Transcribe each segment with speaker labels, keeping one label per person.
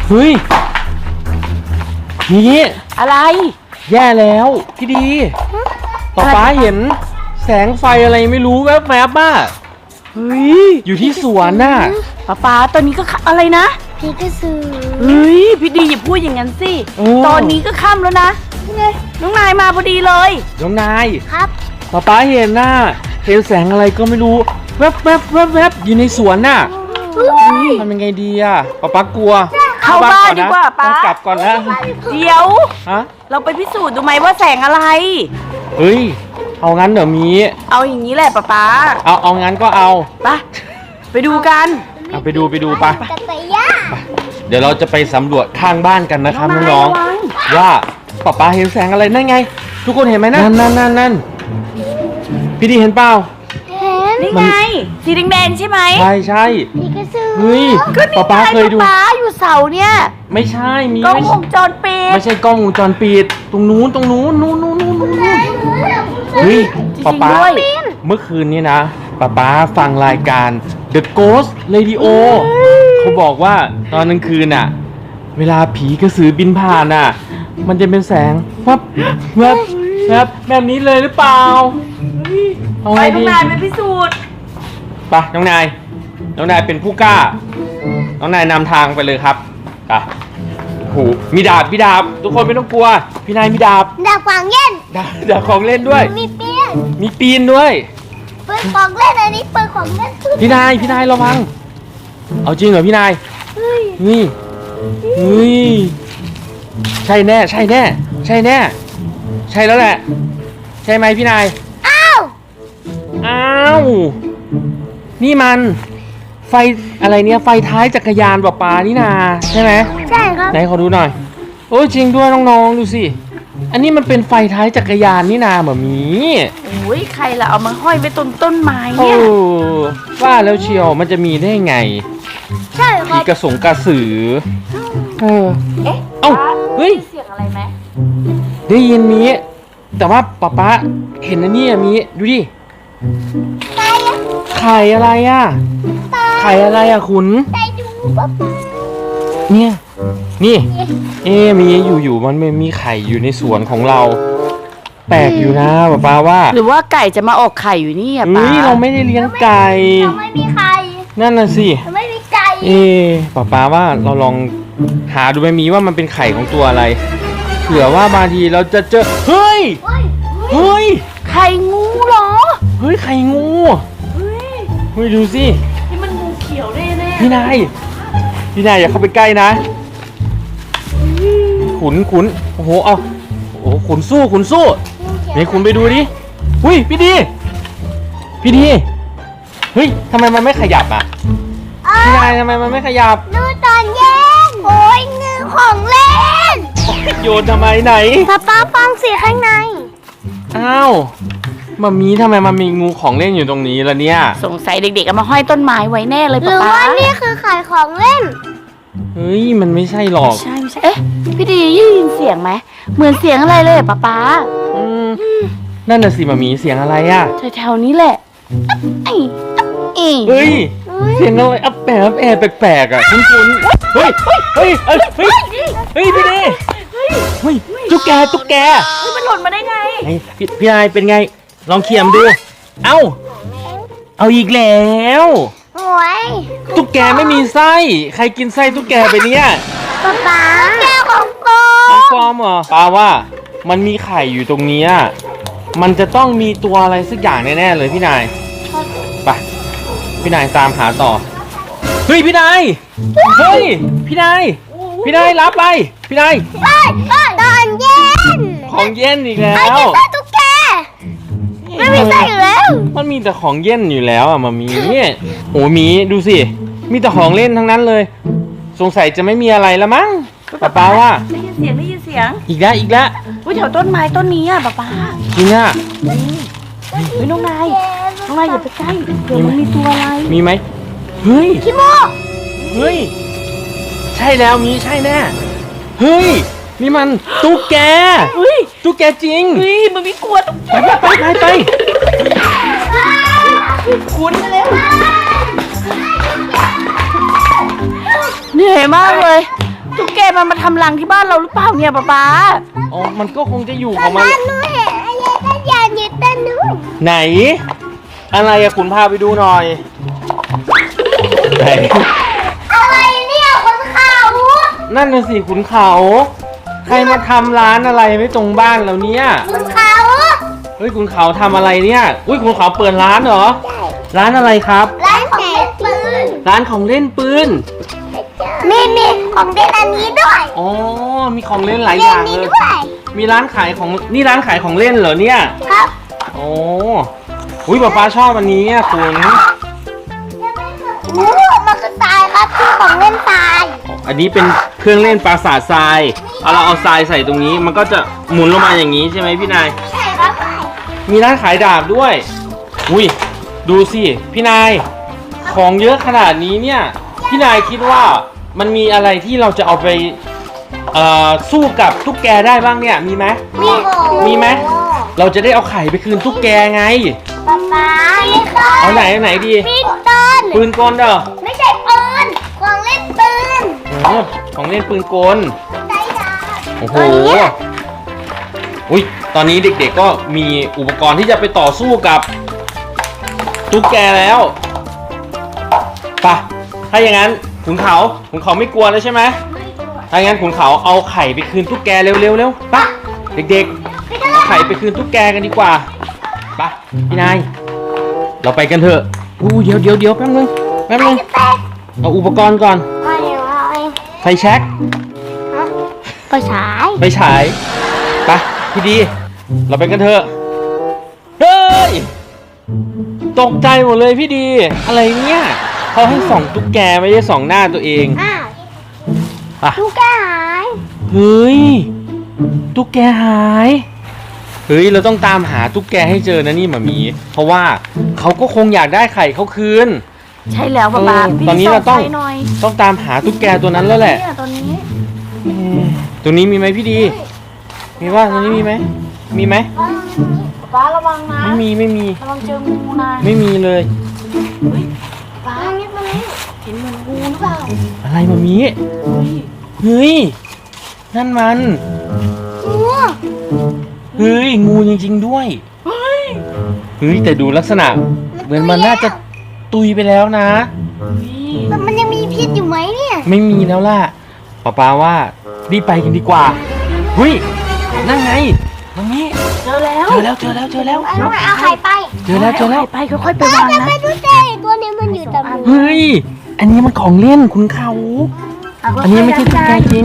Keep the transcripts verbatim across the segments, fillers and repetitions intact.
Speaker 1: เฮ้ยนี่
Speaker 2: อะไร
Speaker 1: แย่แล้วพี่ดีป๊าป๊าเห็นแสงไฟอะไรไม่รู้แวบๆบ้าเฮ้ยอยู่ที่สวนน่ะ
Speaker 2: ป๊าป๊าตอนนี้ก็อะไรนะ
Speaker 3: พี่ก็ซื้อ
Speaker 2: เฮ้ยพี่ดีอย่าพูดอย่างนั้นสิตอนนี้ก็ค่ำแล้วนะน้องนายมาพอดีเลย
Speaker 1: น้องนาย
Speaker 3: ครับ
Speaker 1: ป๊าป๊าเห็นน่ะเห็นแสงอะไรก็ไม่รู้แวบแวบแวบแวบอยู่ในสวนน่ะทำยังไงดีอ่ะป๊าป๊ากลัว
Speaker 2: เข้าบ้านดีกว่าป๊าก
Speaker 1: ลับก่อนนะ
Speaker 2: เดี๋ยว
Speaker 1: ฮะ
Speaker 2: เราไปพิสูจน์ดูไหมว่าแสงอะไร
Speaker 1: เฮ้ยเอางั้นเดี๋ยวมี
Speaker 2: เอาอย่างนี้แหละป๊าป๊า
Speaker 1: เอาเอางั้นก็เอา
Speaker 2: ไปไปดูกัน
Speaker 1: เอาไปดูไปดูไปเดี๋ยวเราจะไปสำรวจข้างบ้านกันนะครับน้องๆว่าป๊าป๊าเห็นแสงอะไรนั่นไงทุกคนเห็นไหมนั่นนั่นนั่นนั่นพี่ดีเห็นเปล่า
Speaker 2: นี่ไงสีแดงๆใช่ไหม
Speaker 1: ใช่ใช่
Speaker 3: พี่ก็ซื้อ
Speaker 1: เฮ้ยป๊าป๊าเคยดู
Speaker 2: ป๊าอยู่เสาเนี่ย
Speaker 1: ไม่ใช่มี
Speaker 2: กล้องวงจรปิด
Speaker 1: ไม่ใช่กล้องวงจรปิดตรงนู้นตรงนู้นนู้นนู้นนู้นนู้นเฮ้ยป๊าป๊าเมื่อคืนนี้นะป๊าป๊าฟังรายการ The Ghost Radio เขาบอกว่าตอนกลางคืนน่ะเวลาผีกระสือบินผ่านน่ะมันจะเป็นแสงวับวับวับแบบนี้เลยหรือเปล่า
Speaker 2: ไปน้องนายไปพิสูจน์
Speaker 1: ไปน้องนายน้องนายเป็นผู้กล้าน้องนายนำทางไปเลยครับไปโหมีดาบมีดาบทุกคนไม่ต้องกลัวพี่นายมีดาบ
Speaker 3: ดาบของเล่น
Speaker 1: ดาบดาบของเล่นด้วย
Speaker 3: มีปีน
Speaker 1: มีปีนด้วย
Speaker 3: ปืนของเล่นอันนี้ปืนของเล่น
Speaker 1: พี่นายพี่นายระวังเอาจริงเหรอพี่นายนี่นี่ใช่แน่ใช่แน่ใช่แน่ใช่แล้วแหละใช่ไหมพี่นาย
Speaker 3: อ้าว
Speaker 1: อ้าวนี่มันไฟอะไรเนี่ยไฟท้ายจักรยานป๊าป๊านี่นาใช่ไหม
Speaker 3: ใช่ครับ
Speaker 1: ไหนขอดูหน่อยโอ้จริงด้วยน้องๆดูสิอันนี้มันเป็นไฟท้ายจักรยานนี่นาแบบนี้
Speaker 2: โอ้ยใครล่ะเอามาห้อยไว้ต้นต้นไม้เนี่ย
Speaker 1: โอ้ว่าแล้วเชียวมันจะมีได้ไง
Speaker 3: ใช่ครับ
Speaker 1: ผีกระสงกระสือเออ
Speaker 2: เอ๊ะ
Speaker 1: เอ้าเฮ้ย
Speaker 2: เสียงอะไรไหม
Speaker 1: ได้ยินมีแต่ว่าป๊าป๊าเห็นอันนี้มีดูดิไข่อะไรอ่ะไข่อะไรอ่ะคุณ
Speaker 3: ไปดูป๊าป๊า
Speaker 1: เนี่ยนี่เอ๊มีอยู่ๆมันไม่มีไข่อยู่ในสวนของเราแปลกอยู่นะป๊าป๊าว่า
Speaker 2: หรือว่าไก่จะมาออกไข่อยู่นี่อ่ะป๊า
Speaker 1: เราไม่ได้เลี้ยงไก่
Speaker 3: เราไม่มีไข่
Speaker 1: นั่นน่ะสิ
Speaker 3: เราไม่มีไก่
Speaker 1: เอ๊ป๊าป๊าว่าเราลองหาดูไหมมีว่ามันเป็นไข่ของตัวอะไรเผื่อว่าบางทีเราจะเจอเฮ้ยเฮ้ย
Speaker 2: ไข่งูเหรอ
Speaker 1: เฮ้ยไข่งู
Speaker 2: เฮ้ย
Speaker 1: เฮ้ยดูสิ
Speaker 2: นี่มันงูเขียวแน่ๆ
Speaker 1: พี่นายพี่นายอย่าเข้าไปใกล้นะขุนขุนโอ้โหเอาโอ้โหขุนสู้ขุนสู้ไหนขุนไปดูดิอุ้ยพี่ดีพี่ดีเฮ้ยทำไมมันไม่ขยับอ่ะพี่นายทำไมมันไม่ขยับ
Speaker 3: ดูตอนเย็นโอ้ยเงือของเล่น
Speaker 1: โยนทำไมไหน
Speaker 3: ป้าป้าฟังเสียงข้างใน
Speaker 1: อ้าวมามีทำไมมันมีงูของเล่นอยู่ตรงนี้ล่ะเนี่ย
Speaker 2: สงสัยเด็กๆเอามาห้อยต้นไม้ไว้แน่เลยป๊าป๊า
Speaker 3: หรือว่านี่คือขายของเล่น
Speaker 1: เฮ้ยมันไม่ใช่หรอก
Speaker 2: ใช่ไม่ใช่เอ๊ะพี่ดียินเสียงไหมเหมือนเสียงอะไรเลยป๊าป๊า
Speaker 1: อืมนั่นน่ะสิมามีเสียงอะไรอ่ะ
Speaker 2: แถวๆนี้แหละไอ้
Speaker 1: เฮ้ยเสียงอะไรอับแปะอับแอบแปลกๆอ่ะคุ้นๆเฮ้ยเฮ้ยเฮ้ยเฮ้ยเฮ้ยพี่ดีเฮ้ยตุ๊กแกตุ๊กแก
Speaker 2: เฮ้ยมันหล่นมาได้ไง
Speaker 1: พี่พี่นายเป็นไงลองเขี่ยมดูเอ้าเอาอีกแล้ว
Speaker 3: โอ้ย
Speaker 1: ตุ๊กแกไม่มีไส้ใครกินไส้ตุ๊กแกไปเนี่ย
Speaker 3: ป๊าป๊าแก้วของปลอม
Speaker 1: ของปลอมเหรอป้าว่ามันมีไข่อยู่ตรงนี้มันจะต้องมีตัวอะไรสักอย่างแน่ๆเลยพี่นายไปพี่นายตามหาต่อเฮ้ยพี่นายเฮ้ยพี่นายพี่นายรับไปพี่นาย
Speaker 3: ตอนเย็น
Speaker 1: ของเย็นอีกแล้ว
Speaker 3: ไอ้กินไส้ตุ๊กแกไม่มีไส้อยู่แล้ว
Speaker 1: มันมีแต่ของเย็นอยู่แล้วอ่ะมามีเนี่ยโอ้มีดูสิมีแต่ของเล่นทั้งนั้นเลยสงสัยจะไม่มีอะไรแล้วมั้งป๊าป๊าว่า
Speaker 2: ได้ยินเสียงได้ยินเสียง
Speaker 1: อีกแล้วอีกแล้ว
Speaker 2: อุ้ยแถวต้นไม้ต้นนี้อ่ะป๊าป๊า
Speaker 1: จริงอ่ะ
Speaker 2: เฮ้ยน้องนายน้องนายอย่าไปใกล้เดี๋ยวมันมีตัวอะไร
Speaker 1: มีไหมเฮ้ย
Speaker 3: ขี้โมก
Speaker 1: เฮ้ยใช่แล้วมีใช่แน่เฮ้ยนี่มันตุ๊กแก
Speaker 2: เฮ้ย
Speaker 1: ตุ๊กแกจริง
Speaker 2: เฮ้ยมันไม่กลัวตุ๊กแก
Speaker 1: ไปไปไปไป
Speaker 2: คุ้นเลยเหนื่อยมากเลยตุ๊กมันมาทำรังที่บ้านเราหรือเปล่าเนี่ยป๊าป๊า
Speaker 1: อ๋อมันก็คงจะอยู่ของมัน
Speaker 3: บ้านหนูเห็นอะไรก็อยากอยู่ต้นนู้น
Speaker 1: ไหน อะไรอะคุณพาไปดูหน่อยไหน
Speaker 3: อะไรเนี่ยคนเขา
Speaker 1: นั่นน่ะสิขุนเขา ใครมาทำร้านอะไรไว้ตรงบ้านเราเนี่ย
Speaker 3: คนเขา
Speaker 1: เฮ้ยขุนเขาทำอะไรเนี่ยอุ้ยขุนเขาเปิดร้านเหรอ ร้านอะไรครับ
Speaker 3: ร้านของเล่นปืน
Speaker 1: ร้านของเล่นปืน
Speaker 3: มีมีของเล่นอันนี้ด้วย
Speaker 1: อ๋อมีของเล่นหลายอ
Speaker 3: เล่น
Speaker 1: ย่าง
Speaker 3: นี้
Speaker 1: เลย
Speaker 3: ด้วย
Speaker 1: มีร้านขายของนี่ร้านขายของเล่นเหรอเนี่ย
Speaker 3: ครับ
Speaker 1: โอ้อุ้ยป๊าป๊าชอบอันนี้อะคุณ
Speaker 3: โอ้มันคือทรายครับคือของเล่นทราย
Speaker 1: อันนี้เป็นเครื่องเล่นปราสาททรายเอาเราเอาทรายใส่ตรงนี้ มันก็จะหมุนลงมาอย่างนี้ใช่ไหมพี่นาย
Speaker 3: ใช่ครับ
Speaker 1: มีร้านขายดาบด้วย อุ้ยดูสิพี่นาย ของเยอะขนาดนี้เนี่ย พี่นายคิดว่ามันมีอะไรที่เราจะเอาไปเอ่อสู้กับตุ๊กแกได้บ้างเนี่ย มีไหม
Speaker 3: มี
Speaker 1: มีไหม เราจะได้เอาไข่ไปคืนตุ๊กแกไง
Speaker 3: ป๊าป๊าไม่ต้น
Speaker 1: เอาไหนเอาไหนดี
Speaker 3: พี่ต้น
Speaker 1: ปืนกลเด้อ
Speaker 3: ไม่ใช่ปืนของเล่นปืน
Speaker 1: โอ้ของเล่นปืนกล
Speaker 3: ไดดาบ
Speaker 1: โอ้โห อุ้ย ตอนนี้เด็กๆก็มีอุปกรณ์ที่จะไปต่อสู้กับตุ๊กแกแล้วไปะถ้าอย่างนั้นขุนเขาขุนเขาไม่กลัวแล้วใช่ไหมถ้าอย่างนั้นขุนเขาเอาไข่ไปคืนตุ๊กแกเร็วๆเร็วไปะเด็กๆเอาไข่ไปคืนตุ๊กแกกันดีกว่าไปะพี่นาย เราไปกันเถอะอู้เดี๋ยวเดี๋ยวเดี๋ยวแป๊บนึงแป๊บนึงเอาอุปกรณ์ก่อน
Speaker 3: ไม่เอา
Speaker 1: ไฟแช็ก
Speaker 3: ไปฉาย
Speaker 1: ไปฉายไปพี่ดี เราไปกันเถอะ เฮ้ย ตกใจหมดเลยพี่ดี อะไรเนี่ยเขาให้ส่องตุ๊กแกไม่ได้ส่องหน้าตัวเอง
Speaker 3: อ้าว
Speaker 1: ไป
Speaker 3: ลูกแกหาย
Speaker 1: เฮ้ย ตุ๊กแกหาย เฮ้ย เราต้องตามหาตุ๊กแกให้เจอนะนี่หมามี เพราะว่าเขาก็คงอยากได้ไข่เขาคืน
Speaker 2: ใช่แล้วป๊าป๊า
Speaker 1: เออ
Speaker 2: พี่
Speaker 1: ตอนนี้เราต้อง
Speaker 2: ส่ไฟหน่อย
Speaker 1: ต้องตามหาตุ๊กแกตัวนั้นแล้วแหละ
Speaker 2: เนี่ยตอนนี้
Speaker 1: อืมตัวนี้มีไหมพี่ดี มีว่าตัวนี้มีไหม มีไหม
Speaker 2: ป๊าป๊าระวังนะ
Speaker 1: ไม่มีไม่มี
Speaker 2: ระวังเจองูนะ
Speaker 1: ไม่มีเลย
Speaker 2: ป๊าเห็นเหมือนงูหรือเปล่า
Speaker 1: อะไรหมามี
Speaker 2: เฮ้ย
Speaker 1: เฮ้ย นั่นมัน
Speaker 3: งู
Speaker 1: เฮ้ย งูจริงๆด้วย
Speaker 2: เฮ้ย
Speaker 1: เฮ้ย แต่ดูลักษณะ เหมือนมันน่าจะตุยไปแล้วนะ
Speaker 3: แต่มันยังมีพิษอยู่ไหมเนี่ย
Speaker 1: ไม่มีแล้วล่ะป้าป้าว่ารีบไปกันดีกว่าเฮ้ย นั่นไงตรงนี้
Speaker 2: เจอแล้ว
Speaker 1: เจอแล้วเจอแล้วเจอแล้ว
Speaker 3: เอาไงเอาไข่ไป
Speaker 1: เจอแล้วเจอแล้ว
Speaker 2: ไปค่อยๆไปวาง
Speaker 3: จะ
Speaker 2: นะ
Speaker 3: ไปดูเจตัวนี้มันอยู่ตรงนี้
Speaker 1: เฮ้ย อันนี้มันของเล่นคุณเขา อันนี้ไม่ใช่ตุ๊กแกจริง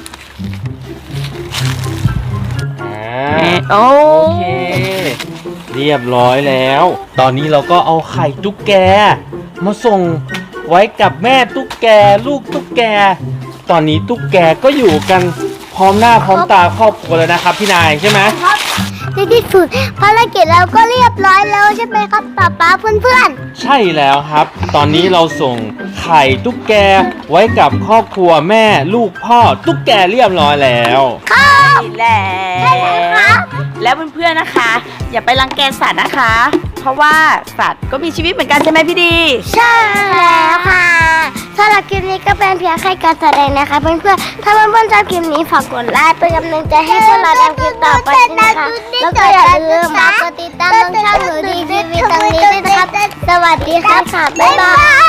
Speaker 1: อ่า
Speaker 2: โอ้
Speaker 1: โอเค เรียบร้อยแล้ว ตอนนี้เราก็เอาไข่ตุ๊กแก มาส่งไว้กับแม่ตุ๊กแก ลูกตุ๊กแก ตอนนี้ตุ๊กแกก็อยู่กันพร้อมหน้าพร้อมตาครอบครัวแล้วนะครับพี่นายใช่ไหม
Speaker 3: ในที่สุดภารกิจเราก็เรียบร้อยแล้วใช่ไหมครับป๊าป๊าเพื่อน
Speaker 1: ใช่แล้วครับ ตอนนี้เราส่งไข่ตุ๊กแกไว้กับครอบครัวแม่ลูกพ่อตุ๊กแกเรียบร้อยแล้ว
Speaker 3: ๆครับ
Speaker 2: ใช่แล้วแล้วเพื่อนๆนะคะ อย่าไปรังแกสัตว์นะคะ เพราะว่าสัตว์ก็มีชีวิตเหมือนกันใช่ไหมพี่ดี
Speaker 3: ใช่แล้วค่ะสำหรับคลิปนี้ก็เป็นเพียงแค่การแสดงนะคะเพื่อนๆถ้าเพื่อนๆชอบคลิปนี้ฝากกดไลค์เป็นกำลังใจให้พวกเราทำคลิปต่อไปนะคะแล้วก็อย่าลืมมากดติดตามช่องหนูดีทีวีตรงนี้ด้วยนะครับสวัสดีครับค่ะบ๊ายบาย